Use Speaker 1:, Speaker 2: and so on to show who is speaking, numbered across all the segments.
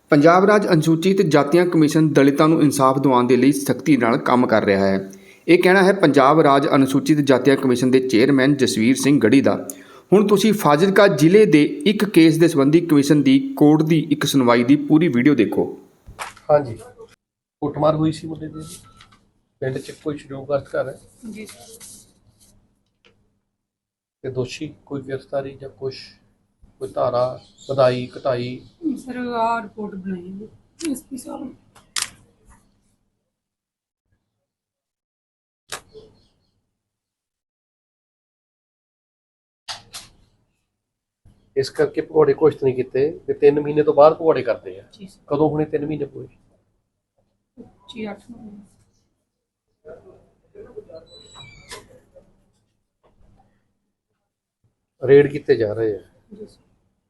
Speaker 1: ਪੰਜਾਬ ਰਾਜ ਅਨੁਸੂਚਿਤ ਜਾਤੀਆਂ ਕਮਿਸ਼ਨ ਦਲਿਤਾਂ ਨੂੰ ਇਨਸਾਫ ਦਿਵਾਉਣ ਦੇ ਲਈ ਸਖਤੀ ਨਾਲ ਕੰਮ ਕਰ ਰਿਹਾ ਹੈ। ਇਹ ਕਹਿਣਾ ਹੈ ਪੰਜਾਬ ਰਾਜ ਅਨੁਸੂਚਿਤ ਜਾਤੀਆਂ ਕਮਿਸ਼ਨ ਦੇ ਚੇਅਰਮੈਨ ਜਸਵੀਰ ਸਿੰਘ ਗੜੀ ਦਾ। ਹੁਣ ਤੁਸੀਂ ਫਾਜ਼ਿਲਕਾ ਜ਼ਿਲ੍ਹੇ ਦੇ ਇੱਕ ਕੇਸ ਦੇ ਸੰਬੰਧੀ ਕਮਿਸ਼ਨ ਦੀ ਕੋਰਟ ਦੀ ਇੱਕ ਸੁਣਵਾਈ ਦੀ ਪੂਰੀ ਵੀਡੀਓ ਦੇਖੋ।
Speaker 2: ਹਾਂਜੀ, ਕੁੱਟਮਾਰ ਹੋਈ ਸੀ ਮੁੰਡੇ ਦੀ ਪਿੰਡ 'ਚ ਕੋਈ ਸ਼ਡਿਊਲਗ੍ਰਸਤ ਘਰ ਹੈ
Speaker 3: ਜੀ
Speaker 2: ਤੇ ਦੋਸ਼ੀ ਕੋਈ ਗ੍ਰਿਫਤਾਰੀ ਜਾਂ ਕੁਛ ਕੋਈ ਧਾਰਾ ਵਧਾਈ ਘਟਾਈ?
Speaker 3: ਸਰ ਆ ਰਿਪੋਰਟ ਬਣਾਈ ਹੈ ਐਸਪੀ ਸਾਹਿਬ ਨੇ।
Speaker 2: ਇਸ ਕਰਕੇ ਭਗੌੜੇ ਘੋਸ਼ਿਤ ਨਹੀਂ ਕੀਤੇ ਤੇ 3 ਮਹੀਨੇ ਤੋਂ ਬਾਅਦ ਭਗੌੜੇ ਕਰਦੇ ਆ।
Speaker 3: ਜੀ ਸਰ
Speaker 2: ਕਦੋਂ ਹੁਣੇ 3 ਮਹੀਨੇ ਪੂਰੇ?
Speaker 3: ਜੀ 8 ਨੂੰ
Speaker 2: ਰੇਡ ਕੀਤੇ ਜਾ ਰਹੇ ਆ।
Speaker 3: ਜੀ ਸਰ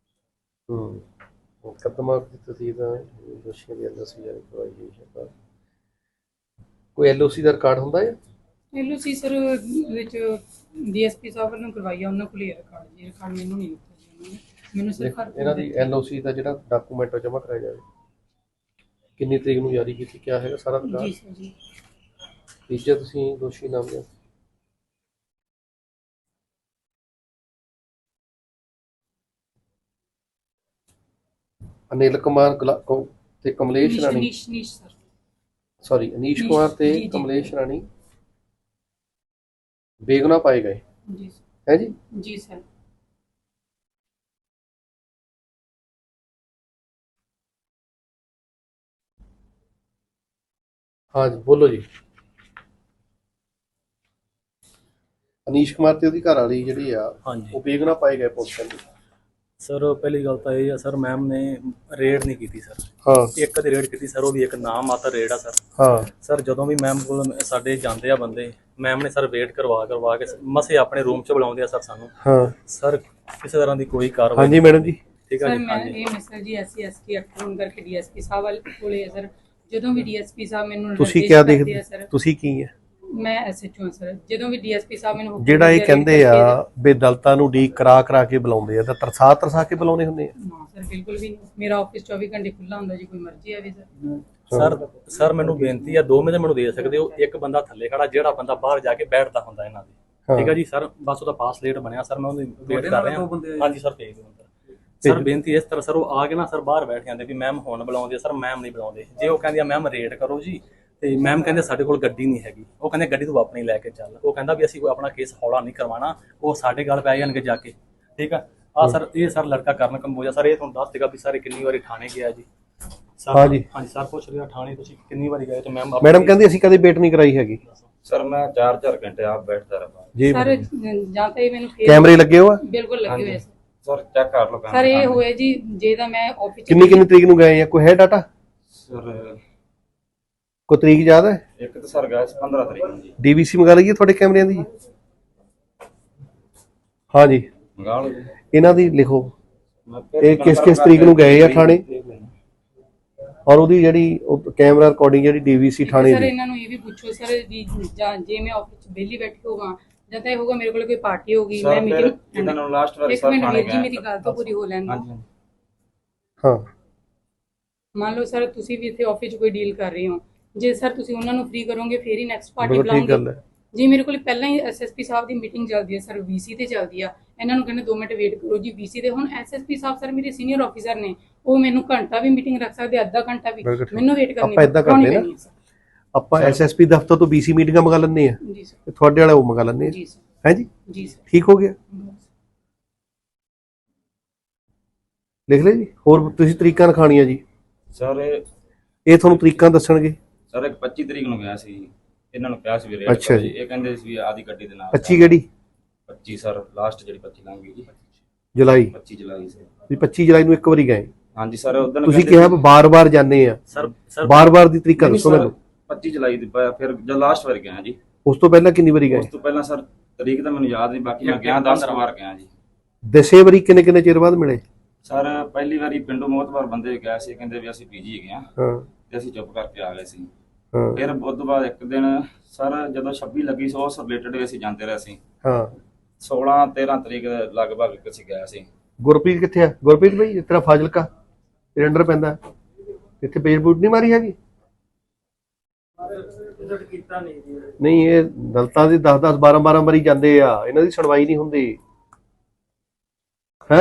Speaker 2: ਮੁਕੱਦਮਾ ਦੀ ਤਸਦੀਕ ਦੋਸ਼ੀਆਂ ਦੀ ਐਲਓਸੀ ਜਾਰੀ ਕਰਵਾਈ ਗਈ ਹੈ। ਕੋਈ ਐਲਓਸੀ ਦਾ ਰਿਕਾਰਡ ਹੁੰਦਾ ਹੈ?
Speaker 3: ਐਲਓਸੀ ਸਰ ਵਿੱਚ ਡੀਐਸਪੀ ਸਾਹਿਬ ਵੱਲੋਂ ਕਰਵਾਈ ਆ, ਉਹਨਾਂ ਕੋਲ ਹੀ ਰਿਕਾਰਡ ਜੀ। ਰਿਕਾਰਡ ਮੈਨੂੰ ਨਹੀਂ ਦਿੱਤਾ ਜੀ ਉਹਨਾਂ ਨੇ, ਮੈਨੂੰ ਸਿਰਫ
Speaker 2: ਇਹਨਾਂ ਦੀ ਐਲਓਸੀ ਦਾ ਜਿਹੜਾ ਡਾਕੂਮੈਂਟ ਜਮ੍ਹਾਂ ਕਰਾਇਆ ਜਾਵੇ। ਕਿੰਨੀ ਤਰੀਕ ਨੂੰ ਜਾਰੀ ਕੀਤੀ, ਕਿਆ ਹੈਗਾ ਸਾਰਾ
Speaker 3: ਜੀ
Speaker 2: ਰਿਕਾਰਡ?
Speaker 3: ਸਰ ਜੀ
Speaker 2: ਤੀਜਾ ਤੁਸੀਂ ਦੋਸ਼ੀ ਨਾਮ ਲਿਆ ਅਨਿਲ ਕੁਮਾਰ ਤੇ ਕਮਲੇਸ਼ ਰਾਣੀ,
Speaker 3: ਨੀਸ਼ ਸਰ
Speaker 2: ਸੌਰੀ ਅਨੀਸ਼ ਕੁਮਾਰ ਤੇ
Speaker 3: ਜੀ, ਜੀ।
Speaker 2: ਕਮਲੇਸ਼ ਰਾਣੀ ਬੇਗੁਨਾਹ ਪਾਏ ਗਏ
Speaker 3: ਜੀ
Speaker 2: ਹੈ ਜੀ।
Speaker 3: ਜੀ ਸਰ
Speaker 2: हाँ जी बोलो जी। ਅਨੀਸ਼ ਕੁਮਾਰ ਤੇ ਉਹਦੀ ਘਰ ਵਾਲੀ ਜਿਹੜੀ ਆ
Speaker 4: ਹਾਂਜੀ
Speaker 2: ਉਹ ਬੇਗੁਨਾਹ ਪਾਏ ਗਏ ਪੁਲਿਸ ਕਹਿੰਦੀ।
Speaker 4: ਸਰ ਪਹਿਲੀ ਗੱਲ ਤਾਂ ਇਹ ਆ ਸਰ, ਮੈਮ ਨੇ ਰੇਡ ਨਹੀਂ ਕੀਤੀ ਸਰ।
Speaker 2: ਹਾਂ
Speaker 4: ਇੱਕ ਦੀ ਰੇਡ ਕੀਤੀ ਸਰ, ਉਹ ਵੀ ਇੱਕ ਨਾਮ ਮਾਤਰ ਰੇਡ ਆ ਸਰ।
Speaker 2: ਹਾਂ
Speaker 4: ਸਰ ਜਦੋਂ ਵੀ ਮੈਮ ਕੋਲ ਸਾਡੇ ਜਾਂਦੇ ਆ ਬੰਦੇ, ਮੈਮ ਨੇ ਸਰ ਵੇਟ ਕਰਵਾ ਕੇ ਮਸੇ ਆਪਣੇ ਰੂਮ 'ਚ ਬੁਲਾਉਂਦੇ ਆ ਸਰ ਸਾਨੂੰ।
Speaker 2: ਹਾਂ
Speaker 4: ਸਰ ਕਿਸੇ ਤਰ੍ਹਾਂ ਦੀ ਕੋਈ ਕਾਰਵਾਈ
Speaker 2: ਹਾਂਜੀ ਮੈਡਮ ਜੀ।
Speaker 4: ਠੀਕ ਆ
Speaker 3: ਸਰ
Speaker 4: ਜੀ।
Speaker 3: ਮੈਂ
Speaker 4: ਹਾਂਜੀ
Speaker 3: ਇਹ ਮੈਸੇਜ ਜੀ ਐਸਸੀ ਐਸਟੀ ਐਕਟ ਹੋਣ ਕਰਕੇ ਡੀਐਸਪੀ ਸਾਹਿਬ ਵਾਲੇ ਕੋਲੇ ਹੈ ਸਰ। ਜਦੋਂ ਵੀ ਡੀਐਸਪੀ ਸਾਹਿਬ ਮੈਨੂੰ
Speaker 2: ਤੁਸੀਂ
Speaker 3: ਨਿਰਦੇਸ਼
Speaker 2: ਕਿਆ
Speaker 3: ਕਰਦੇ
Speaker 2: ਦੇਖਦੇ
Speaker 3: ਆ ਸਰ,
Speaker 2: ਤੁਸੀਂ ਕੀ ਹੈ
Speaker 3: ਮੈਂ ਐਸਐਚਓ ਹਾਂ ਸਰ। ਜਦੋਂ ਵੀ ਡੀਐਸਪੀ ਸਾਹਿਬ ਮੈਨੂੰ ਹੁਕਮ
Speaker 2: ਜਿਹੜਾ ਇਹ
Speaker 3: ਦਿੰਦੇ
Speaker 2: ਕਹਿੰਦੇ
Speaker 3: ਆ
Speaker 2: ਆ ਵੀ ਦਲਤਾਂ ਨੂੰ ਡੀਕ ਕਰਾ ਕੇ ਬੁਲਾਉਂਦੇ ਆ ਤਾਂ ਤਰਸਾ ਕੇ ਬੁਲਾਉਂਦੇ ਹੁੰਦੇ ਆ?
Speaker 3: ਨਾ ਸਰ ਬਿਲਕੁਲ ਵੀ ਨਹੀਂ। ਮੇਰਾ ਆਫਿਸ 24 ਘੰਟੇ ਖੁੱਲਾ ਹੁੰਦਾ ਜੀ, ਕੋਈ ਮਰਜ਼ੀ ਆਵੇ ਸਰ।
Speaker 4: ਸਰ ਮੈਨੂੰ ਬੇਨਤੀ ਆ, 2 ਮਿੰਟ ਮੈਨੂੰ ਦੇ ਸਕਦੇ ਹੋ? ਇੱਕ ਬੰਦਾ ਥੱਲੇ ਖੜਾ, ਜਿਹੜਾ ਬੰਦਾ ਬਾਹਰ ਜਾ ਕੇ ਬੈਠਦਾ ਹੁੰਦਾ ਇਹਨਾਂ ਦੇ। ਠੀਕ ਆ ਜੀ ਸਰ, ਬਸ ਉਹਦਾ ਪਾਸ ਲੇਟ ਬਣਿਆ ਸਰ, ਮੈਂ ਉਹਦੀ ਵੇਟ ਕਰ ਰਿਹਾ। ਹਾਂਜੀ ਸਰ ਭੇਜ ਦਿਓ ਸਰ। ਬੇਨਤੀ ਇਸ ਤਰ੍ਹਾਂ ਸਰ, ਉਹ ਆ ਕੇ ਨਾ ਸਰ ਬਾਹਰ ਬੈਠ ਜਾਂਦੇ ਵੀ ਮੈਮ ਹੁਣ ਬੁਲਾਉਂਦੇ ਸਰ, ਮੈਮ ਨਹੀਂ ਬੁਲਾਉਂਦੇ। ਜੇ ਉਹ ਕਹਿੰਦੀ ਆ ਮੈਮ ਰੇਟ ਕਰੋ ਜੀ, ਤੇ ਮੈਮ ਕਹਿੰਦੇ ਸਾਡੇ ਕੋਲ ਗੱਡੀ ਨਹੀਂ ਹੈਗੀ। ਉਹ ਕਹਿੰਦੇ ਗੱਡੀ ਤੂੰ ਆਪਣੀ ਲੈ ਕੇ ਚੱਲ। ਉਹ ਕਹਿੰਦਾ ਵੀ ਅਸੀਂ ਕੋਈ ਆਪਣਾ ਕੇਸ ਹੌਲਾ ਨਹੀਂ ਕਰਵਾਉਣਾ, ਉਹ ਸਾਡੇ ਗੱਲ ਪੈ ਜਾਣਗੇ ਜਾ ਕੇ। ਠੀਕ ਆ ਸਰ, ਇਹ ਸਰ ਲੜਕਾ ਕਰਨ ਕੰਬੋਜਾ ਸਰ, ਇਹ ਤੁਹਾਨੂੰ ਦੱਸ ਦੇਗਾ ਵੀ ਸਾਰੇ ਕਿੰਨੀ ਵਾਰੀ ਥਾਣੇ ਗਿਆ ਜੀ ਸਰ।
Speaker 2: ਹਾਂਜੀ
Speaker 4: ਹਾਂਜੀ ਸਰ ਪੁੱਛ ਰਿਹਾ ਥਾਣੇ ਤੁਸੀਂ ਕਿੰਨੀ ਵਾਰੀ ਗਏ? ਤੇ
Speaker 2: ਮੈਡਮ ਕਹਿੰਦੀ ਅਸੀਂ ਕਦੇ ਵੇਟ ਨਹੀਂ ਕਰਾਈ ਹੈਗੀ
Speaker 5: ਸਰ। ਮੈਂ 4-4 ਘੰਟੇ ਆਪ ਬੈਠਦਾ ਰਹਾ
Speaker 2: ਜੀ।
Speaker 3: ਸਰ ਜਾਂ ਤਾਂ ਇਹ ਮੈਨੂੰ
Speaker 2: ਕੈਮਰੇ ਲੱਗੇ ਹੋ ਆ?
Speaker 3: ਬਿਲਕੁਲ ਲੱਗੇ ਹੋਏ ਸਰ।
Speaker 5: ਸਰ ਚੈੱਕ ਕਰ ਲਓ
Speaker 3: ਸਰ ਇਹ ਹੋਏ ਜੀ, ਜੇ ਤਾਂ ਮੈਂ ਆਫਿਸ
Speaker 2: ਕਿੰਨੀ ਤਰੀਕ ਨੂੰ ਗਏ ਆ? ਕੋਈ ਹੈ ਡਾਟਾ?
Speaker 5: ਸਰ
Speaker 2: ਕੋਈ ਤਰੀਕ ਯਾਦ ਹੈ?
Speaker 5: ਇੱਕ ਤਾਂ ਸਰ ਗਿਆ 15 ਤਰੀਕ ਨੂੰ ਜੀ।
Speaker 2: ਡੀਵੀਸੀ ਮੰਗਾ ਲਈਏ ਤੁਹਾਡੇ ਕੈਮਰਿਆਂ ਦੀ? ਹਾਂ ਜੀ
Speaker 5: ਮੰਗਾ ਲਓ ਜੀ।
Speaker 2: ਇਹਨਾਂ ਦੀ ਲਿਖੋ
Speaker 5: ਮੈਂ ਫਿਰ
Speaker 2: ਇਹ ਕਿਸ ਤਰੀਕ ਨੂੰ ਗਏ ਆ ਥਾਣੇ, ਔਰ ਉਹਦੀ ਜਿਹੜੀ ਕੈਮਰਾ ਰਿਕਾਰਡਿੰਗ ਜਿਹੜੀ ਡੀਵੀਸੀ ਥਾਣੇ
Speaker 3: ਸਰ
Speaker 2: ਦੀ।
Speaker 3: ਇਹਨਾਂ ਨੂੰ ਇਹ ਵੀ ਪੁੱਛੋ ਸਰ ਜੀ, ਜਾਂ ਜੇ ਮੈਂ ਆਫਿਸ 'ਚ ਵਿਹਲੀ ਬੈਠੀ ਹੋਵਾਂ ਜਾਂ ਤਾਂ ਇਹ ਹੋਗਾ ਮੇਰੇ ਕੋਲ ਕੋਈ ਪਾਰਟੀ ਹੋਗੀ,
Speaker 5: ਸਰ
Speaker 3: ਮੈਂ
Speaker 5: ਫਿਰ
Speaker 3: ਮੀਟਿੰਗ।
Speaker 5: ਇਹਨਾਂ ਨੂੰ ਲਾਸਟ ਵਾਰ
Speaker 3: ਇੱਕ
Speaker 5: ਸਰ
Speaker 3: ਮਿੰਟ
Speaker 5: ਥਾਣੇ
Speaker 3: ਵੀਰ ਜੀ,
Speaker 5: ਗਿਆ।
Speaker 3: ਮੇਰੀ ਗੱਲ ਤਾਂ ਪੂਰੀ ਹੋ ਲੈਣ ਦਿਓ।
Speaker 5: ਹਾਂਜੀ
Speaker 2: ਹਾਂ
Speaker 3: ਮੰਨ ਲਓ ਸਰ ਤੁਸੀਂ ਵੀ ਇੱਥੇ ਆਫਿਸ 'ਚ ਕੋਈ ਡੀਲ ਕਰ ਰਹੇ ਹੋ, ਜੇ ਸਰ ਤੁਸੀਂ ਉਹਨਾਂ ਨੂੰ ਫ੍ਰੀ ਕਰੋਗੇ ਫੇਰ ਹੀ ਨੈਕਸਟ ਪਾਰਟੀ
Speaker 2: ਬਿਲਕੁਲ ਠੀਕ ਗੱਲ
Speaker 3: ਬੁਲਾਉਂਗੇ।
Speaker 2: ਹੈ।
Speaker 3: ਜੀ ਮੇਰੇ ਕੋਲ ਪਹਿਲਾਂ ਹੀ ਐਸਐਸਪੀ ਸਾਹਿਬ ਦੀ ਮੀਟਿੰਗ ਚੱਲਦੀ ਹੈ ਸਰ, ਵੀਸੀ ਤੇ ਚੱਲਦੀ ਆ। ਇਹਨਾਂ ਨੂੰ ਕਹਿੰਦੇ 2 ਮਿੰਟ ਵੇਟ ਕਰੋ ਜੀ ਵੀਸੀ ਤੇ। ਹੁਣ ਐਸਐਸਪੀ ਸਾਹਿਬ ਸਰ ਮੇਰੇ ਸੀਨੀਅਰ ਆਫੀਸਰ ਨੇ, ਉਹ ਮੈਨੂੰ ਘੰਟਾ ਵੀ ਮੀਟਿੰਗ ਰੱਖ ਸਕਦੇ, ਅੱਧਾ ਘੰਟਾ ਵੀ।
Speaker 2: ਬਿਲਕੁਲ ਠੀਕ।
Speaker 3: ਮੈਨੂੰ ਵੇਟ ਕਰਨੀ
Speaker 2: ਆਪਾਂ ਏਦਾਂ ਕਰਦੇ ਨਾ,
Speaker 3: ਪੈਣੀ ਹੈ ਸਰ।
Speaker 2: ਆਪਾਂ ਐਸਐਸਪੀ ਦਫ਼ਤਰ ਤੋਂ ਬੀਸੀ ਮੀਟਿੰਗਾਂ ਮੰਗਾ ਲੈਂਦੇ ਆ,
Speaker 3: ਜੀ ਸਰ
Speaker 2: ਤੇ ਤੁਹਾਡੇ ਵਾਲਾ ਉਹ ਮੰਗਾ ਲੈਂਦੇ ਆ।
Speaker 3: ਜੀ ਸਰ
Speaker 2: ਹੈ ਜੀ,
Speaker 3: ਜੀ ਸਰ
Speaker 2: ਠੀਕ ਹੋ ਗਿਆ? ਲਿਖ ਲੈ ਜੀ। ਹੋਰ ਤੁਸੀਂ ਤਰੀਕਾਂ ਲਿਖਾਣੀਆਂ ਜੀ,
Speaker 5: ਸਰ
Speaker 2: ਇਹ ਤੁਹਾਨੂੰ ਤਰੀਕਾਂ ਦੱਸਣਗੇ।
Speaker 5: ਸਰ ਇੱਕ 25 ਤਰੀਕ ਨੂੰ ਗਿਆ ਸੀ, ਇਹਨਾਂ ਨੂੰ ਕਿਹਾ ਸੀ ਵੀ ਰੇਟ
Speaker 2: ਅੱਛਾ
Speaker 5: ਕਰੋ
Speaker 2: ਜੀ।
Speaker 5: ਜੀ। ਇਹ ਕਹਿੰਦੇ ਸੀ ਵੀ ਆਦੀ ਗੱਡੀ ਦੇ ਨਾਲ
Speaker 2: 25 ਕਿਹੜੀ?
Speaker 5: 25 ਸਰ ਲਾਸਟ ਜਿਹੜੀ 25 ਲੰਘ ਗਈ ਜੀ,
Speaker 2: ਜੁਲਾਈ?
Speaker 5: 25 ਜੁਲਾਈ ਸੀ।
Speaker 2: ਤੁਸੀਂ 25 ਜੁਲਾਈ ਨੂੰ ਇੱਕ ਵਾਰੀ ਗਏ,
Speaker 5: ਹਾਂਜੀ ਸਰ ਉਦੋਂ
Speaker 2: ਤੁਸੀਂ ਕਿਹਾ ਬਾਰ-ਬਾਰ ਜਾਂਦੇ ਆ,
Speaker 4: ਸਰ
Speaker 2: ਬਾਰ-ਬਾਰ ਦੀ ਤਰੀਕਾ ਦੱਸੋ ਮੈਨੂੰ।
Speaker 5: 25 ਜੁਲਾਈ ਦੀ ਫਿਰ ਜਦ ਲਾਸਟ ਵਾਰ ਗਿਆ ਜੀ।
Speaker 2: ਉਸ ਤੋਂ ਪਹਿਲਾਂ ਕਿੰਨੀ ਵਾਰੀ ਗਏ?
Speaker 5: ਉਸ ਤੋਂ ਪਹਿਲਾਂ ਸਰ ਤਰੀਕ ਤਾਂ ਮੈਨੂੰ ਯਾਦ ਨਹੀਂ, ਬਾਕੀ ਮੈਂ ਗਿਆ 10 ਵਾਰ ਗਿਆ ਜੀ।
Speaker 2: ਦਸੇ ਵਾਰੀ ਕਿੰਨੇ ਚਿਰ ਬਾਅਦ ਮਿਲੇ?
Speaker 5: ਸਰ ਪਹਿਲੀ ਵਾਰੀ ਪਿੰਡੋਂ ਮੋਤਬਾਰ ਬੰਦੇ ਗਏ ਸੀ, ਕਹਿੰਦੇ ਵੀ ਅਸੀਂ ਪੀਜੀ ਹੈਗੇ ਆ,
Speaker 2: ਹਾਂ
Speaker 5: ਤੇ ਅਸੀਂ ਚੁੱਪ ਕਰਕੇ ਆ ਗਏ ਸੀ।
Speaker 2: ਹਾਂ
Speaker 5: ਫਿਰ ਉਸ ਤੋਂ ਬਾਅਦ ਇੱਕ ਦਿਨ ਸਰ ਜਦੋਂ 26 ਲੱਗੀ ਸੀ, ਉਸ ਰਿਲੇਟਡ ਵੀ ਅਸੀਂ ਜਾਂਦੇ ਰਹੇ ਸੀ।
Speaker 2: ਹਾਂ
Speaker 5: 16-13 ਤਰੀਕ ਦੇ ਲਗਭਗ ਅਸੀਂ ਗਏ ਸੀ।
Speaker 2: ਗੁਰਪ੍ਰੀਤ ਕਿੱਥੇ ਆ? ਗੁਰਪ੍ਰੀਤ ਭਾਈ ਇਸ ਤਰ੍ਹਾਂ ਫਾਜ਼ਿਲਕਾ ਤੇਰੇ ਅੰਡਰ ਪੈਂਦਾ। ਇੱਥੇ ਬੇਜਬੂਟ ਨਹੀਂ ਮਾਰੀ ਹੈਗੀ? ਨਹੀਂ, ਇਹ ਦਲਤਾਂ ਦੇ 10-10 12-12 ਵਾਰੀ ਜਾਂਦੇ ਆ, ਇਹਨਾਂ ਦੀ ਸੁਣਵਾਈ ਨਹੀਂ ਹੁੰਦੀ ਹੈ।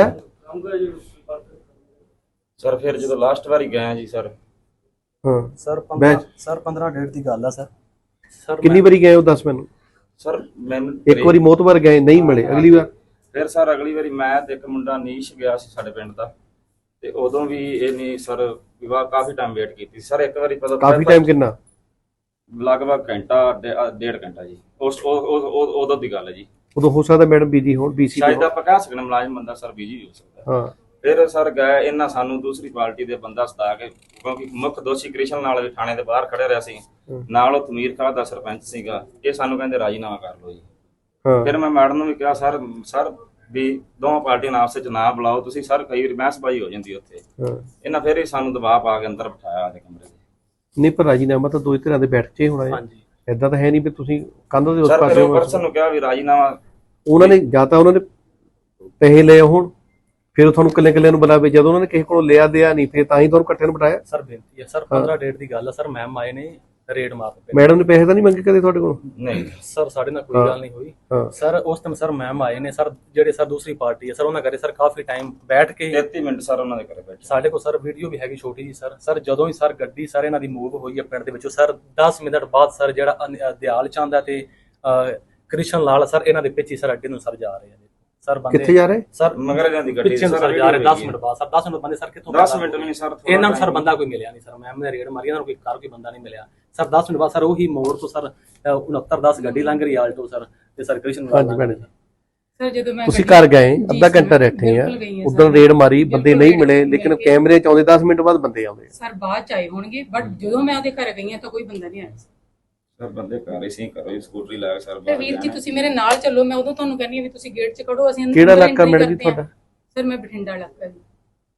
Speaker 5: ਸਰ ਫਿਰ ਜਦੋਂ ਲਾਸਟ ਵਾਰੀ ਗਏ ਆ ਜੀ ਸਰ,
Speaker 2: ਹਾਂ
Speaker 4: ਸਰ
Speaker 2: ਬੈਚ
Speaker 4: 15 ਡੇਟ ਦੀ ਗੱਲ ਆ ਸਰ। ਸਰ
Speaker 2: ਕਿੰਨੀ ਵਾਰੀ ਗਏ ਹੋ ਦੱਸ ਮੈਨੂੰ?
Speaker 5: ਸਰ ਮੈਨੂੰ
Speaker 2: ਇੱਕ ਵਾਰੀ ਮੋਤਬਰ ਗਏ ਨਹੀਂ ਮਿਲੇ, ਅਗਲੀ ਵਾਰ
Speaker 5: ਫਿਰ ਸਰ ਅਗਲੀ ਵਾਰੀ ਮੈਂ ਤੇ ਇੱਕ ਮੁੰਡਾ ਨੀਸ਼ ਗਿਆ ਸੀ ਸਾਡੇ ਪਿੰਡ ਦਾ, ਤੇ ਉਦੋਂ ਵੀ ਇਹ ਨਹੀਂ ਸਰ ਵਿਵਾਹ ਕਾਫੀ ਟਾਈਮ ਵੇਟ ਕੀਤੀ ਸਰ। ਇੱਕ ਵਾਰੀ ਪਤਾ
Speaker 2: ਕਾਫੀ ਟਾਈਮ ਕਿੰਨਾ?
Speaker 5: ਲਗਭਗ ਘੰਟਾ ਡੇਢ ਘੰਟਾ ਜੀ, ਉਦੋਂ ਦੀ ਗੱਲ ਹੈ ਜੀ।
Speaker 2: ਉਦੋਂ ਹੋ ਸਕਦਾ ਮੈਡਮ ਬਿਜੀ ਹੋਣ, BC
Speaker 5: ਸ਼ਾਇਦ ਆਪਾਂ ਕਹਿ ਸਕਦੇ ਮੁਲਾਜ਼ਮ ਬੰਦਾ ਸਰ ਬਿਜੀ ਹੋ ਸਕਦਾ।
Speaker 2: ਹਾਂ
Speaker 5: ਫਿਰ ਸਰ ਗਏ ਇਹਨਾਂ ਸਾਨੂੰ ਦੂਸਰੀ ਪਾਰਟੀ ਦੇ ਬੰਦਾ ਸਤਾ ਕੇ, ਕਿਉਂਕਿ ਮੁੱਖ ਦੋਸ਼ੀ ਕ੍ਰਿਸ਼ਨ ਨਾਲ ਵੀ ਥਾਣੇ ਦੇ ਬਾਹਰ ਖੜੇ ਰਿਹਾ ਸੀ, ਨਾਲ ਉਹ ਤਮੀਰ ਖਾਨ ਦਾ ਸਰਪੰਚ ਸੀਗਾ। ਇਹ ਸਾਨੂੰ ਕਹਿੰਦੇ ਰਾਜੀਨਾਮਾ ਕਰ ਲਓ ਜੀ।
Speaker 2: ਹਾਂ
Speaker 5: ਫਿਰ ਮੈਂ ਮੈਡਮ ਨੂੰ ਵੀ ਕਿਹਾ ਸਰ ਵੀ ਦੋਵਾਂ ਪਾਰਟੀਆਂ ਨਾਲ ਆਪਸ ਵਿੱਚ ਨਾ ਬੁਲਾਓ ਤੁਸੀਂ ਸਰ, ਕਈ ਵਾਰ ਬਹਿਸਬਾਜ਼ੀ ਹੋ ਜਾਂਦੀ ਉੱਥੇ।
Speaker 2: ਹਾਂ
Speaker 5: ਇਹਨਾਂ ਫਿਰ ਹੀ ਸਾਨੂੰ ਦਬਾਅ ਪਾ ਕੇ ਅੰਦਰ ਬਿਠਾਇਆ ਆਦੇ ਕਮਰੇ 'ਚ।
Speaker 2: ਨਹੀਂ, ਪਰ ਰਾਜੀਨਾਮਾ ਤਾਂ ਦੋਈ ਧਿਰਾਂ ਦੇ ਬੈਠ ਕੇ ਹੋਣਾ ਹੈ।
Speaker 4: ਹਾਂਜੀ
Speaker 2: ਏਦਾਂ ਤਾਂ ਹੈ ਨਹੀਂ ਵੀ ਤੁਸੀਂ ਕੰਧ ਦੇ ਉਸ
Speaker 5: ਸਰ ਫਿਰ
Speaker 2: ਪਾਸੇ
Speaker 5: ਉਹ ਪਰਸਨ ਨੂੰ ਕਿਹਾ ਵੀ ਰਾਜੀਨਾਮਾ,
Speaker 2: ਉਹਨਾਂ ਨੇ ਜਾਂ ਤਾਂ ਉਹਨਾਂ ਨੇ ਪੈਸੇ ਲਏ ਹੋਣ, ਫਿਰ ਤੁਹਾਨੂੰ ਕੱਲੇ ਨੂੰ ਬੁਲਾਵੇ। ਜਦੋਂ ਉਹਨਾਂ ਨੇ ਕਿਸੇ ਕੋਲੋਂ ਲਿਆ ਦਿਆ ਨਹੀਂ, ਫਿਰ ਤਾਂ ਹੀ ਤੁਹਾਨੂੰ ਇਕੱਠੇ ਨੂੰ ਬਿਠਾਇਆ।
Speaker 4: ਸਰ ਬੇਨਤੀ ਹੈ ਸਰ, 15 ਡੇਟ ਦੀ ਗੱਲ ਆ ਸਰ। ਮੈਮ ਆਏ ਨੇ ਰੇਡ ਮਾਰਨ ਪਏ।
Speaker 2: ਮੈਡਮ ਨੇ ਪੈਸੇ ਤਾਂ ਨਹੀਂ ਮੰਗੇ ਕਦੇ ਤੁਹਾਡੇ ਕੋਲੋਂ?
Speaker 5: ਨਹੀਂ
Speaker 4: ਸਰ ਸਾਡੇ ਨਾਲ ਕੋਈ ਗੱਲ ਨਹੀਂ ਹੋਈ
Speaker 2: ਹਾਂ
Speaker 4: ਸਰ। ਉਸ ਟਾਈਮ ਸਰ ਮੈਮ ਆਏ ਨੇ ਸਰ, ਜਿਹੜੇ ਸਰ ਦੂਸਰੀ ਪਾਰਟੀ ਹੈ ਸਰ, ਉਹਨਾਂ ਕਰੇ ਸਰ ਕਾਫੀ ਟਾਈਮ ਬੈਠ ਕੇ
Speaker 5: 33 ਮਿੰਟ ਸਰ ਉਹਨਾਂ ਦੇ ਘਰੇ ਬੈਠੇ।
Speaker 4: ਸਾਡੇ ਕੋਲ ਸਰ ਵੀਡੀਓ ਵੀ ਹੈਗੀ ਛੋਟੀ ਜੀ ਸਰ। ਸਰ ਜਦੋਂ ਹੀ ਸਰ ਗੱਡੀ ਸਰ ਇਹਨਾਂ ਦੀ ਮੂਵ ਹੋਈ ਹੈ ਪਿੰਡ ਦੇ ਵਿੱਚੋਂ ਸਰ, 10 ਮਿੰਟ ਬਾਅਦ ਸਰ ਜਿਹੜਾ ਦਿਆਲ ਚੰਦ ਹੈ ਤੇ ਕ੍ਰਿਸ਼ਨ ਲਾਲ ਸਰ ਇਹਨਾਂ ਦੇ ਪਿੱਛੇ ਸਰ ਅੱਗੇ ਨੂੰ ਸਰ ਜਾ ਰਹੇ ਆ ਸਰ। ਬੰਦੇ
Speaker 2: ਕਿੱਥੇ ਜਾ ਰਹੇ?
Speaker 4: ਸਰ
Speaker 5: ਮਗਰ ਇਹਨਾਂ ਦੀ ਗੱਡੀ
Speaker 4: ਪਿੱਛੇ ਨੂੰ ਸਰ ਜਾ ਰਹੇ 10 ਮਿੰਟ ਬਾਅਦ ਸਰ। 10 ਮਿੰਟ ਬੰਦੇ ਸਰ ਕਿੱਥੋਂ?
Speaker 5: 10 ਮਿੰਟ ਵੀ ਨਹੀਂ ਸਰ, ਥੋੜ੍ਹਾ
Speaker 4: ਇਹਨਾਂ ਨੂੰ ਸਰ
Speaker 5: time
Speaker 4: ਬੰਦਾ ਕੋਈ ਮਿਲਿਆ ਨਹੀਂ ਸਰ। ਮੈਮ ਨੇ ਰੇਡ ਮਾਰੀ, ਇਹਨਾਂ ਨੂੰ ਕੋਈ ਬੰਦਾ ਨਹੀਂ ਮਿਲਿਆ ਸਰ। 10 ਮਿੰਟ ਬਾਅਦ ਸਰ ਉਹੀ ਮੋੜ ਤੋਂ ਸਰ 6910 ਗੱਡੀ ਲੰਘ ਰਹੀ ਆਲਟੋ ਸਰ, ਤੇ ਸਰ ਕ੍ਰਿਸ਼ਨ
Speaker 2: ਹਾਂਜੀ ਭੈਣੇ,
Speaker 3: ਸਰ ਜਦੋਂ ਮੈਂ
Speaker 2: ਤੁਸੀਂ
Speaker 3: ਗੱਡੀ-
Speaker 2: ਘਰ ਗਏ,
Speaker 3: ਜੀ
Speaker 2: ਅੱਧਾ
Speaker 3: ਸਰ,
Speaker 2: ਘੰਟਾ ਬੈਠੇ ਆ,
Speaker 3: ਬਿਲਕੁਲ ਗਈ ਹਾਂ
Speaker 2: ਉਦੋਂ
Speaker 3: ਸਰ।
Speaker 2: ਰੇਡ ਮਾਰੀ, ਬੰਦੇ
Speaker 3: ਬਿਲਕੁਲ
Speaker 2: ਨਹੀਂ ਮਿਲੇ,
Speaker 3: ਮਿਲ
Speaker 2: ਲੇਕਿਨ
Speaker 3: ਕੇ-
Speaker 2: ਕੈਮਰੇ ਚ ਆਉਂਦੇ 10 ਮਿੰਟ ਬਾਅਦ ਬੰਦੇ ਆਉਂਦੇ।
Speaker 3: ਸਰ ਬਾਅਦ ਚ ਆਏ ਹੋਣਗੇ, ਬਟ ਜਦੋਂ ਮੈਂ ਉਹਦੇ ਘਰ ਗਈ ਹਾਂ ਤਾਂ ਕੋਈ ਬੰਦਾ ਨਹੀਂ ਆਇਆ
Speaker 5: ਸਰ ਬੰਦੇ ਘਰ ਹੀ ਸੀ, ਘਰੋਂ ਹੀ ਸਕੂਟਰੀ ਲੈ ਕੇ ਸਰ
Speaker 3: ਤੇ
Speaker 5: ਬਾਹਰ
Speaker 3: ਵੀਰ ਜੀ
Speaker 5: ਜਾਣਾ।
Speaker 3: ਤੁਸੀਂ ਮੇਰੇ ਨਾਲ ਚੱਲੋ, ਮੈਂ ਉਦੋਂ ਤੁਹਾਨੂੰ ਕਹਿੰਦੀ ਹਾਂ ਵੀ ਤੁਸੀਂ ਗੇਟ 'ਚ ਖੜੋ, ਅਸੀਂ ਅੰਦਰ
Speaker 2: ਕਿਹੜਾ
Speaker 3: entry
Speaker 2: ਇਲਾਕਾ ਮੈਡਮ ਜੀ
Speaker 3: ਕਰਦੇ ਹਾਂ।
Speaker 2: ਤੁਹਾਡਾ?
Speaker 3: ਸਰ ਮੈਂ ਬਠਿੰਡਾ ਇਲਾਕਾ ਜੀ।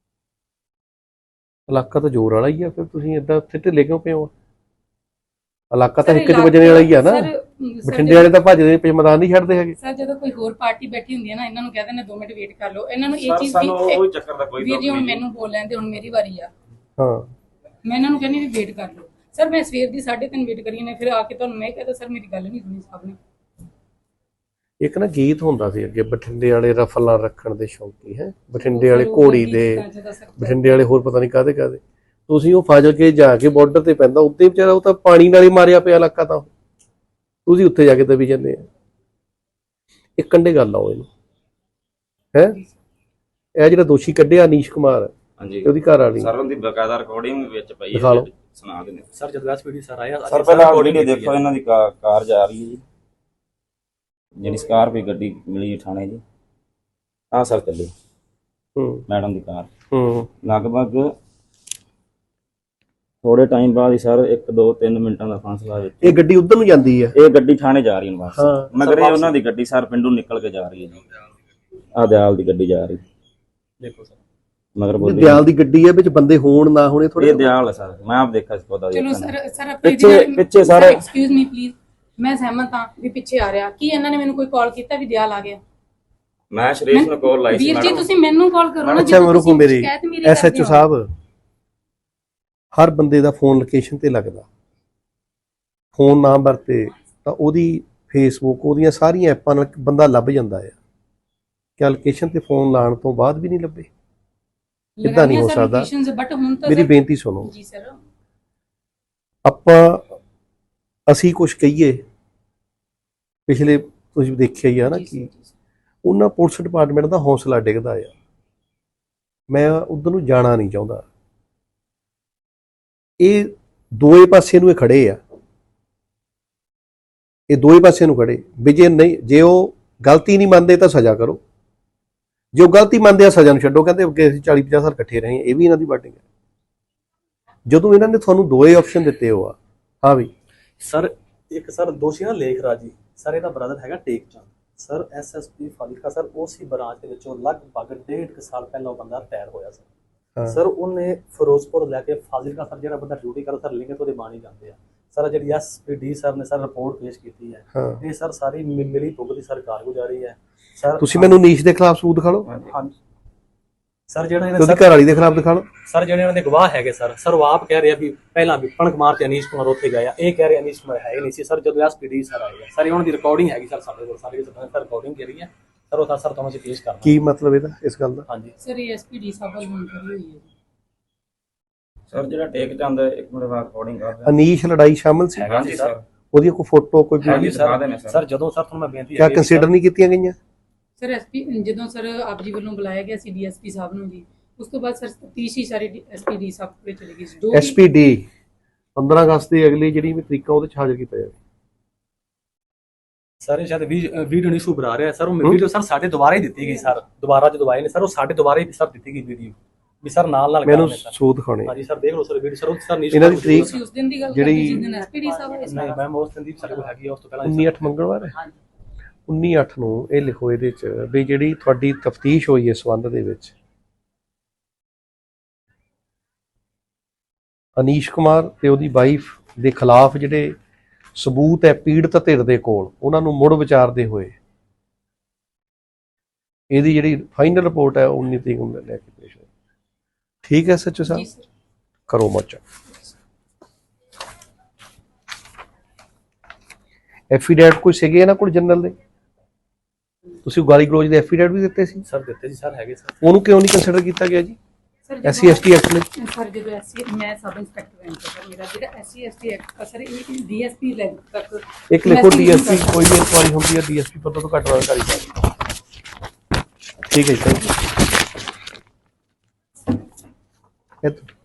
Speaker 2: ਇਲਾਕਾ ਤਾਂ ਜ਼ੋਰ ਵਾਲਾ ਹੀ ਆ, ਫਿਰ ਤੁਸੀਂ ਏਦਾਂ ਉੱਥੇ ਢਿੱਲੇ ਕਿਉਂ ਪਏ ਹੋ? ਇਲਾਕਾ ਤਾਂ
Speaker 3: ਸਰ,
Speaker 2: ਇੱਕ ਚ ਵਜਣੇ ਵਾਲਾ ਹੀ ਆ ਨਾ।
Speaker 3: ਸਰ,
Speaker 2: ਬਠਿੰਡੇ ਵਾਲੇ ਤਾਂ ਭੱਜਦੇ ਪਏ, ਮੈਦਾਨ ਨਹੀਂ ਛੱਡਦੇ ਹੈਗੇ।
Speaker 3: ਸਰ ਜਦੋਂ ਕੋਈ ਹੋਰ ਪਾਰਟੀ ਬੈਠੀ ਹੁੰਦੀ ਹੈ ਨਾ, ਇਹਨਾਂ ਨੂੰ ਕਹਿ ਦਿੰਦੇ 2 ਮਿੰਟ ਵੇਟ ਕਰ ਲਓ। ਇਹਨਾਂ ਨੂੰ ਇਹ
Speaker 5: ਸਰ
Speaker 3: ਚੀਜ਼
Speaker 5: ਸਾਨੂੰ
Speaker 3: ਦੀ
Speaker 5: ਉਹ ਚੱਕਰ ਦਾ ਕੋਈ
Speaker 3: ਵੀਰ ਜੀ ਹੁਣ
Speaker 5: ਨਹੀਂ।
Speaker 3: ਮੈਨੂੰ ਬੋਲ ਲੈਂਦੇ, ਹੁਣ ਮੇਰੀ ਵਾਰੀ ਆ।
Speaker 2: ਹਾਂ
Speaker 3: ਮੈਂ ਇਹਨਾਂ ਨੂੰ ਕਹਿੰਦੀ ਵੀ ਵੇਟ ਕਰ ਲਓ। ਸਰ ਮੈਂ ਸਵੇਰ ਦੀ 3:30 ਵੇਟ ਕਰੀ ਨੇ, ਫਿਰ ਆ ਕੇ ਤੁਹਾਨੂੰ ਮੈਂ ਕਹਿੰਦਾ ਸਰ ਮੇਰੀ ਗੱਲ ਨਹੀਂ ਸੁਣੀ ਸਾਹਿਬ ਨੇ।
Speaker 2: ਇੱਕ ਨਾ ਗੀਤ ਹੁੰਦਾ ਸੀ ਅੱਗੇ, ਬਠਿੰਡੇ ਵਾਲੇ ਰਫਲਾਂ ਰੱਖਣ ਦੇ ਸ਼ੌਂਕੀ ਹੈ, ਬਠਿੰਡੇ ਵਾਲੇ
Speaker 3: ਸਰ, ਉਹ
Speaker 2: ਘੋੜੀ
Speaker 3: ਗੀਤ
Speaker 2: ਦੇ,
Speaker 3: ਤਾਂ ਜਿਹਦਾ ਸਰ
Speaker 2: ਬਠਿੰਡੇ ਵਾਲੇ ਹੋਰ ਪਤਾ ਨਹੀਂ ਕਾਹਦੇ ਕਾਹਦੇ। ਤੁਸੀਂ ਉਹ ਫਾਜ਼ਲ ਕੇ ਜਾ ਕੇ ਬਾਰਡਰ ਤੇ ਪੈਂਦਾ, ਉੱਤੇ ਵਿਚਾਰਾ ਉਹ ਤਾਂ ਪਾਣੀ ਨਾਲ ਹੀ ਮਾਰਿਆ ਪਿਆ ਇਲਾਕਾ, ਤਾਂ ਤੁਸੀਂ ਉੱਥੇ ਜਾ ਕੇ ਦਬੀ ਜਾਂਦੇ ਆ। ਇੱਕ ਕੰਡੇ ਗੱਲ ਆਓ ਇਹਨੂੰ ਹੈ, ਇਹ ਜਿਹੜਾ ਦੋਸ਼ੀ ਕੱਢਿਆ ਅਨੀਸ਼ ਕੁਮਾਰ
Speaker 5: ਹਾਂਜੀ
Speaker 2: ਤੇ ਉਹਦੀ ਘਰ ਵਾਲੀ,
Speaker 5: ਸਰ ਉਹਦੀ ਬਕਾਇਦਾ ਰਿਕਾਰਡਿੰਗ ਵਿੱਚ ਪਈ
Speaker 2: ਦਿਖਾ ਲਓ।
Speaker 5: ਸੁਣਾ ਦਿੰਦੇ
Speaker 4: ਸਰ ਜਦੋਂ ਐਸਪੀਡੀ ਸਰ ਆਇਆ
Speaker 5: ਸਰ। ਪਹਿਲਾਂ ਵੀਡੀਓ ਦੇਖੋ, ਇਹਨਾਂ ਦੀ ਕਾਰ ਜਾ ਰਹੀ ਹੈ ਜੀ, ਜਿਹੜੀ ਸਕਾਰਪੀਓ ਗੱਡੀ ਮਿਲੀ ਥਾਣੇ ਜੀ। ਆਹ ਸਰ ਚੱਲੀ
Speaker 2: ਹੂੰ
Speaker 5: ਮੈਡਮ ਦੀ ਕਾਰ,
Speaker 2: ਹੂੰ
Speaker 5: ਲਗਭਗ ਥੋੜੇ ਟਾਈਮ ਬਾਅਦ ਹੀ ਸਰ 1 2 3 ਮਿੰਟਾਂ ਦਾ ਫਾਸਲਾ ਵਿੱਚ
Speaker 2: ਇਹ ਗੱਡੀ ਉਧਰ ਨੂੰ ਜਾਂਦੀ ਹੈ।
Speaker 5: ਇਹ ਗੱਡੀ ਥਾਣੇ ਜਾ ਰਹੀ ਹੈ ਵਾਪਸ,
Speaker 2: ਹਾਂ।
Speaker 5: ਮਗਰ ਇਹ ਉਹਨਾਂ ਦੀ ਗੱਡੀ ਸਰ ਪਿੰਡੋਂ ਨਿਕਲ ਕੇ ਜਾ ਰਹੀ ਹੈ ਜੀ। ਆਹ ਦਿਆਲ ਦੀ ਗੱਡੀ ਜਾ ਰਹੀ
Speaker 4: ਦੇਖੋ ਸਰ।
Speaker 5: ਮਗਰ
Speaker 2: ਇਹ
Speaker 5: ਬੋਲੀ
Speaker 2: ਦਿਆਲ ਦੀ ਗੱਡੀ ਹੈ, ਵਿੱਚ ਬੰਦੇ ਹੋਣ ਨਾ ਹੋਣੇ ਥੋੜੇ।
Speaker 5: ਇਹ ਦਿਆਲ ਹੈ ਸਰ, ਮੈਂ ਆਪ ਦੇਖਿਆ ਸੀ ਪਤਾ
Speaker 3: ਚਲੋ
Speaker 5: ਦੇਖਿਆ
Speaker 3: ਸਰ, ਸਰ ਆਪਣੇ
Speaker 5: ਪਿੱਛੇ ਸਾਰੇ
Speaker 3: ਐਕਸਕਿਊਜ਼ ਮੀ ਪਲੀਜ਼, ਮੈਂ ਸਹਿਮਤ ਹਾਂ ਵੀ ਪਿੱਛੇ ਆ ਰਿਹਾ। ਕੀ ਇਹਨਾਂ ਨੇ ਮੈਨੂੰ ਕੋਈ ਕਾਲ ਕੀਤਾ ਵੀ ਦਿਆਲ ਆ ਗਿਆ?
Speaker 5: ਮੈਂ ਸ਼ਰੀਸ਼ ਨੂੰ ਕਾਲ ਲਾਈ ਸੀ
Speaker 3: ਵੀਰ ਜੀ
Speaker 5: ਮੈਡਮ।
Speaker 3: ਤੁਸੀਂ ਮੈਨੂੰ ਕਾਲ ਕਰੋ ਨਾ।
Speaker 2: ਅੱਛਾ ਰੁਕੋ, ਮੇਰੀ
Speaker 3: ਸ਼ਿਕਾਇਤ ਮੇਰੀ
Speaker 2: ਐਸਐਚਓ ਸਾਹਿਬ, ਹਰ ਬੰਦੇ ਦਾ ਫੋਨ ਲੋਕੇਸ਼ਨ ਤੇ ਲੱਗਦਾ, ਫੋਨ ਨਾ ਵਰਤੇ ਤਾਂ ਉਹਦੀ ਫੇਸਬੁੱਕ, ਉਹਦੀਆਂ ਸਾਰੀਆਂ ਐਪਾਂ ਨਾਲ ਬੰਦਾ ਲੱਭ ਜਾਂਦਾ ਹੈ। ਕਿ ਲੋਕੇਸ਼ਨ ਤੇ ਫੋਨ ਲਾਉਣ ਤੋਂ ਬਾਅਦ ਵੀ ਨਹੀਂ ਲੱਭੇ? ਇੱਦਾਂ ਨਹੀਂ ਹੋ ਸਕਦਾ।
Speaker 3: ਬਟ ਹੁਣ ਤਾਂ
Speaker 2: ਮੇਰੀ ਬੇਨਤੀ ਸੁਣੋ,
Speaker 3: ਜੀ ਸਰ,
Speaker 2: ਅਸੀਂ ਕੁਝ ਕਹੀਏ, ਪਿਛਲੇ ਤੁਸੀਂ ਦੇਖਿਆ ਹੀ ਆ ਨਾ ਕਿ ਉਹਨਾਂ ਪੁਲਿਸ ਡਿਪਾਰਟਮੈਂਟ ਦਾ ਹੌਸਲਾ ਡਿੱਗਦਾ ਆ। ਮੈਂ ਉਧਰ ਨੂੰ ਜਾਣਾ ਨਹੀਂ ਚਾਹੁੰਦਾ। ਇਹ ਦੋਏ ਪਾਸੇ ਨੂੰ ਖੜੇ ਆ, ਇਹ ਦੋਏ ਪਾਸੇ ਨੂੰ ਖੜੇ ਵੀ ਜੇ ਉਹ ਗਲਤੀ ਨਹੀਂ ਮੰਨਦੇ ਤਾਂ ਸਜ਼ਾ ਕਰੋ, ਜੇ ਉਹ ਗਲਤੀ ਮੰਨਦੇ ਆ ਸਜ਼ਾ ਨੂੰ ਛੱਡੋ। ਕਹਿੰਦੇ ਅੱਗੇ ਅਸੀਂ 40-50 ਸਾਲ ਇਕੱਠੇ ਰਹੇ, ਇਹ ਵੀ ਇਹਨਾਂ ਦੀ ਬਾਟਿੰਗ ਹੈ। ਜਦੋਂ ਇਹਨਾਂ ਨੇ ਤੁਹਾਨੂੰ ਦੋਏ ਆਪਸ਼ਨ ਦਿੱਤੇ ਹੋ ਆ, ਹਾਂ ਵੀ
Speaker 4: ਸਰ ਇੱਕ ਸਰ ਦੋਸ਼ੀ ਨਾ ਲੇਖ ਰਾਜੀ ਸਰ, ਇਹਦਾ ਬ੍ਰਦਰ ਹੈਗਾ Tek Chand sir, SSP Fazilka sir. ਉਸੇ ਬ੍ਰਾਂਚ ਦੇ ਵਿੱਚੋਂ ਲਗਭਗ 1.5 ਸਾਲ ਪਹਿਲਾਂ ਉਹ ਬੰਦਾ ਰਿਟਾਇਰ ਹੋਇਆ ਸਰ। ਸਰ ਉਹਨੇ ਫਿਰੋਜ਼ਪੁਰ ਲੈ ਕੇ ਫਾਜ਼ਿਲਕਾ ਸਰ ਜਿਹੜਾ ਬੰਦਾ ਡਿਊਟੀ ਕਰਦਾ ਸਰ, ਲਿੰਗੇ ਤੋਂ ਦੇ ਬਾਣੀ ਜਾਂਦੇ ਆ ਸਰ। ਜਿਹੜੀ ਐਸਪੀਡੀ ਸਰ ਨੇ ਸਰ ਰਿਪੋਰਟ ਪੇਸ਼ ਕੀਤੀ ਹੈ, ਇਹ ਸਰ ਸਾਰੀ ਮਿਲੀ ਭੁਗਤ ਦੀ ਸਰ ਕਾਰਗੁਜ਼ਾਰੀ ਹੈ ਸਰ।
Speaker 2: ਤੁਸੀਂ ਮੈਨੂੰ ਨੀਸ਼ ਦੇ ਖਿਲਾਫ ਸਬੂਤ ਦਿਖਾ ਲਓ।
Speaker 4: ਹਾਂਜੀ ਸਰ ਜਿਹੜਾ
Speaker 2: ਤੇ
Speaker 4: ਇਹਨਾਂ
Speaker 2: ਉਹਦੀ ਘਰ ਵਾਲੀ ਦੇ ਖਿਲਾਫ ਦਿਖਾ ਲਓ।
Speaker 4: ਸਰ ਜਿਹੜੇ ਇਹਨਾਂ ਦੇ ਗਵਾਹ ਹੈਗੇ ਸਰ ਉਹ ਆਪ ਕਹਿ ਰਹੇ ਆ ਵੀ ਪਹਿਲਾਂ ਵੀ ਪਣਕ ਮਾਰ ਤੇ ਅਨੀਸ਼ ਕੁਮਾਰ ਉੱਥੇ ਗਏ ਆ, ਇਹ ਕਹਿ ਰਹੇ ਅਨੀਸ਼ ਕੁਮਾਰ ਹੈ ਹੀ ਨਹੀਂ ਸੀ ਸਰ। ਜਦੋਂ ਐਸਪੀਡੀ ਸਰ ਆਏ ਆ ਸਰ, ਉਹਨਾਂ ਦੀ ਰਿਕਾਰਡਿੰਗ ਹੈਗੀ ਸਰ ਸਾਡੇ ਕੋਲ, ਸਾਰੇ ਸਰ ਰਿਕਾਰਡਿੰਗ ਕਰੀ ਹੈ ਸਰ, ਉਹ ਤਾਂ ਸਰ ਤੁਹਾਨੂੰ ਅਸੀਂ ਪੇਸ਼ ਕਰਨਾ।
Speaker 2: ਕੀ ਮਤਲਬ ਇਹਦਾ ਇਸ ਗੱਲ ਦਾ?
Speaker 4: ਹਾਂਜੀ
Speaker 3: ਸਰ ਇਹ ਐਸਪੀਡੀ ਸਾਹਿਬ ਵੱਲ ਮੁਨਕਰੀ ਹੋਈ ਹੈ ਜੀ।
Speaker 5: ਸਰ ਜਿਹੜਾ ਟੇਕ ਜਾਂਦਾ ਇੱਕ ਮਿੰਟ ਬਾਅਦ ਰਿਕਾਰਡਿੰਗ ਕਰ ਰਿਹਾ
Speaker 2: ਅਨੀਸ਼ ਲੜਾਈ ਸ਼ਾਮਲ ਸੀ?
Speaker 5: ਹਾਂਜੀ ਸਰ
Speaker 2: ਉਹਦੀ ਕੋਈ ਫੋਟੋ ਕੋਈ
Speaker 5: ਹਾਂਜੀ ਦਿਖਾ ਦੇਣੇ
Speaker 4: ਸਰ ਜਦੋਂ ਸਰ ਤੁਹਾਨੂੰ ਮੈਂ ਬੇਨਤੀ
Speaker 2: ਕਿਆ ਕੰਸੀਡਰ ਨਹੀਂ ਕੀਤੀਆਂ ਗਈਆਂ?
Speaker 3: ਸਰ ਐਸਪੀ ਜਦੋਂ ਸਰ ਆਪ ਜੀ ਵੱਲੋਂ ਬੁਲਾਇਆ ਗਿਆ ਸੀ ਡੀਐਸਪੀ ਸਾਹਿਬ ਨੂੰ ਜੀ, ਉਸ ਤੋਂ ਬਾਅਦ ਸਰ ਤਫਤੀਸ਼ ਹੀ ਸਾਰੇ ਐਸਪੀਡੀ ਸਾਹਿਬ ਕੋਲ ਚਲੀ ਗਈ ਸੀ।
Speaker 2: ਐਸਪੀਡੀ 15 ਅਗਸਤ ਦੀ ਅਗਲੀ ਜਿਹੜੀ ਵੀ ਤਰੀਕਾ ਉਹਦੇ ਚ ਹਾਜ਼ਰ ਕੀਤਾ ਜਾਵੇ।
Speaker 4: ਸਰ ਸ਼ਾਇਦ ਵੀਡੀਓ ਨਹੀਂ ਸੁਭਰਾ ਰਿਹਾ ਸਰ, ਉਹ ਵੀਡੀਓ ਸਰ ਸਾਡੇ ਦੁਬਾਰਾ ਹੀ ਦਿੱਤੀ ਗਈ ਸਰ, ਦੁਬਾਰਾ ਜਦੋਂ ਆਏ ਨੇ ਸਰ ਉਹ ਸਾਡੇ ਦੁਬਾਰਾ ਹੀ ਸਰ ਦਿੱਤੀ ਗਈ ਵੀਡੀਓ ਵੀ ਸਰ ਨਾਲ
Speaker 2: ਮੈਨੂੰ ਸੂਤ ਦਿਖਾਉਣੇ।
Speaker 4: ਹਾਂਜੀ ਸਰ ਦੇਖ ਲਓ ਸਰ ਵੀਡੀਓ ਸਰ, ਉਹ ਸਰ ਨਹੀਂ
Speaker 2: ਇਹਨਾਂ ਦੀ ਤਰੀਕ
Speaker 3: ਤੁਸੀਂ ਉਸ ਦਿਨ ਦੀ ਗੱਲ
Speaker 2: ਜਿਹੜੀ-
Speaker 3: ਕਰਦੇ ਜਿਸ ਦਿਨ ਐਸਪੀਡੀ ਸਾਹਿਬ ਆਏ ਸੀ।
Speaker 4: ਨਹੀਂ ਮੈਮ ਉਸ ਦਿਨ ਦੀ ਸਾਡੇ ਕੋਲ ਹੈਗੀ ਆ, ਉਸ ਤੋਂ ਪਹਿਲਾਂ
Speaker 2: 19/8 ਮੰਗਲਵਾਰ ਹੈ। 19/8 ਨੂੰ ਇਹ ਲਿਖੋ ਇਹਦੇ ਚ ਵੀ ਜਿਹੜੀ ਤੁਹਾਡੀ ਤਫਤੀਸ਼ ਹੋਈ ਇਸ ਸੰਬੰਧ ਦੇ ਵਿੱਚ ਅਨੀਸ਼ ਕੁਮਾਰ ਤੇ ਉਹਦੀ ਵਾਈਫ ਦੇ ਖਿਲਾਫ ਜਿਹੜੇ ਸਬੂਤ ਹੈ ਪੀੜਤ ਧਿਰ ਦੇ ਕੋਲ, ਉਹਨਾਂ ਨੂੰ ਮੁੜ ਵਿਚਾਰਦੇ ਹੋਏ ਇਹਦੀ ਜਿਹੜੀ ਫਾਈਨਲ ਰਿਪੋਰਟ ਹੈ 19 ਤਰੀਕ ਨੂੰ ਲੈ ਕੇ ਪੇਸ਼ ਹੋਈ। ਠੀਕ ਹੈ ਸੱਚੋ
Speaker 3: ਜੀ
Speaker 2: ਸਾਹਿਬ,
Speaker 3: ਸਰ।
Speaker 2: ਕਰੋ ਮੋਚਾ। ਐਫੀਡੈਵਿਟ ਕੋਈ ਸੀਗੇ ਇਹਨਾਂ ਕੋਲ ਜਨਰਲ ਦੇ? ਤੁਸੀਂ ਗਾਲੀ ਗਲੋਚ ਦੇ ਐਫੀਡੈਵਿਟ ਵੀ ਦਿੱਤੇ ਸੀ?
Speaker 4: ਸਰ ਦਿੱਤੇ ਜੀ ਸਰ ਹੈਗੇ ਸਰ।
Speaker 2: ਉਹਨੂੰ ਕਿਉਂ ਨਹੀਂ ਕੰਸੀਡਰ ਕੀਤਾ ਗਿਆ ਜੀ?
Speaker 3: ਸਰ
Speaker 2: SC ST ਐਕਟ ਨੇ
Speaker 3: ਸਰ ਜਦੋਂ ਐਸਸੀ ਮੈਂ ਸਬ ਇੰਸਪੈਕਟਰ ਹਾਂ ਸਰ, ਮੇਰਾ ਜਿਹੜਾ SC ST ਐਕਟ ਸਰ ਇਹ ਡੀਐਸਪੀ ਲੈਵਲ ਤੱਕ
Speaker 2: ਇੱਕ ਲਿਖੋ ਡੀਐਸਪੀ ਕੋਈ ਵੀ ਇਨਕੁਆਰੀ ਹੁੰਦੀ ਹੈ ਡੀਐਸਪੀ ਪਤਾ ਤੋਂ ਘੱਟ ਅਧਿਕਾਰੀ ਸਾਹਿਬ। ਠੀਕ ਹੈ ਜੀ, ਥੈਂਕ ਯੂ।